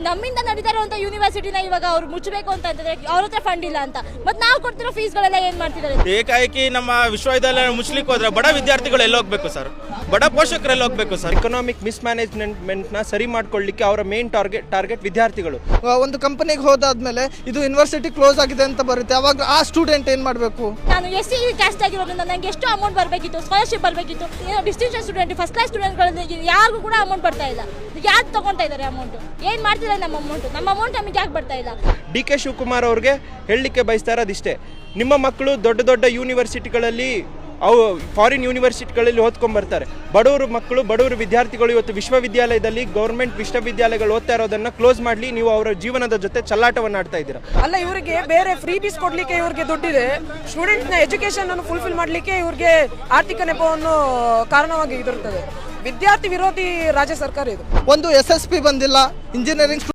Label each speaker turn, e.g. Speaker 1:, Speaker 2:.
Speaker 1: ನಮ್ಮಿಂದ ನಡೀತಾ ಇರುವಂತ ಯೂನಿವರ್ಸಿಟಿನ ಇವಾಗ ಅವ್ರು ಮುಚ್ಚಬೇಕು ಅಂತ ಅಂತಂದ್ರೆ ಅವ್ರ ಹತ್ರ ಫಂಡ್ ಇಲ್ಲ ಅಂತ, ಮತ್ತೆ ನಾವು ಕೊಡ್ತಿರೋ ಫೀಸ್ಗಳೆಲ್ಲ ಏನ್ ಮಾಡ್ತಿದ್ದಾರೆ?
Speaker 2: ಏಕಾಏಕಿ ನಮ್ಮ ವಿಶ್ವವಿದ್ಯಾಲಯ ಮುಚ್ಚಲಿಕ್ಕೆ ಹೋದ್ರೆ ಬಡ ವಿದ್ಯಾರ್ಥಿಗಳು ಎಲ್ಲಿ ಹೋಗ್ಬೇಕು ಸರ್, ಬಡ ಪೋಷಕರು ಎಲ್ಲಿ ಹೋಗ್ಬೇಕು ಸರ್?
Speaker 3: ಎಕನಾಮಿಕ್ ಮಿಸ್ಮ್ಯಾನೇಜ್ಮೆಂಟ್ನ ಸರಿ ಮಾಡ್ಕೊಳ್ಳಿಕ್ಕೆ ಅವರ ಮೇನ್ ಟಾರ್ಗೆಟ್ ವಿದ್ಯಾರ್ಥಿಗಳು.
Speaker 4: ಒಂದು ಕಂಪನಿಗೆ ಹೋದಾದ್ಮೇಲೆ ಇದು ಯೂನಿವರ್ಸಿಟಿ ಕ್ಲೋಸ್ ಆಗಿದೆ ಅಂತ ಬರುತ್ತೆ, ಅವಾಗ ಆ ಸ್ಟೂಡೆಂಟ್ ಏನ್ ಮಾಡಬೇಕು?
Speaker 1: ನಾನು ಎಸ್ ಸಿ ಕ್ಯಾಸ್ಟ್ ಆಗಿರೋದ್ರಿಂದ ನನಗೆ ಎಷ್ಟು ಅಮೌಂಟ್ ಬರಬೇಕಿತ್ತು, ಸ್ಕಾಲರ್ಶಿಪ್ ಬರಬೇಕಿತ್ತು. ಡಿಸ್ಟಿಂಕ್ಷನ್ ಸ್ಟೂಡೆಂಟ್, ಫಸ್ಟ್ ಕ್ಲಾಸ್ ಸ್ಟೂಡೆಂಟ್ಗಳಲ್ಲಿ ಯಾರಿಗೂ ಕೂಡ ಅಮೌಂಟ್ ಬರ್ತಾ ಇಲ್ಲ. ಯಾರು ತಗೊಂತಾ ಇದ್ದಾರೆ ಅಮೌಂಟ್? ಏನ್ ಮಾಡ್ತಿದ್ದಾರೆ ನಮ್ಮ ಅಮೌಂಟ್ ನಮಗೆ ಯಾಕೆ ಬರ್ತಾ ಇಲ್ಲ?
Speaker 3: ಡಿ ಕೆ ಶಿವಕುಮಾರ್ ಅವ್ರಿಗೆ ಹೇಳಲಿಕ್ಕೆ ಬಯಸ್ತಾ ಇರೋದಿಷ್ಟೇ, ನಿಮ್ಮ ಮಕ್ಕಳು ದೊಡ್ಡ ದೊಡ್ಡ ಯೂನಿವರ್ಸಿಟಿಗಳಲ್ಲಿ ಅವು ಫಾರಿನ್ ಯೂನಿವರ್ಸಿಟಿಗಳಲ್ಲಿ ಓದ್ಕೊಂಡ್ಬರ್ತಾರೆ. ಬಡವರು ಮಕ್ಕಳು, ಬಡವರು ವಿದ್ಯಾರ್ಥಿಗಳು ಇವತ್ತು ವಿಶ್ವವಿದ್ಯಾಲಯದಲ್ಲಿ ಗೌರ್ಮೆಂಟ್ ವಿಶ್ವವಿದ್ಯಾಲಯಗಳು ಓದ್ತಾ ಇರೋದನ್ನ ಕ್ಲೋಸ್ ಮಾಡಲಿ, ನೀವು ಅವರ ಜೀವನದ ಜೊತೆ ಚಲ್ಲಾಟವನ್ನು ಆಡ್ತಾ ಇದ್ದೀರಾ.
Speaker 5: ಅಲ್ಲ, ಇವರಿಗೆ ಬೇರೆ ಫ್ರೀ ಬೀಸ್ ಕೊಡ್ಲಿಕ್ಕೆ ಇವ್ರಿಗೆ ದುಡ್ಡಿದೆ, ಸ್ಟೂಡೆಂಟ್ನ ಎಜುಕೇಶನ್ ಅನ್ನು ಫುಲ್ಫಿಲ್ ಮಾಡಲಿಕ್ಕೆ ಇವ್ರಿಗೆ ಆರ್ಥಿಕ ನೆಪವನ್ನು ಕಾರಣವಾಗಿ ಇದಿರುತ್ತದೆ. ವಿದ್ಯಾರ್ಥಿ ವಿರೋಧಿ ರಾಜ್ಯ ಸರ್ಕಾರ ಇದು.
Speaker 4: ಒಂದು SSP ಬಂದಿಲ್ಲ, ಇಂಜಿನಿಯರಿಂಗ್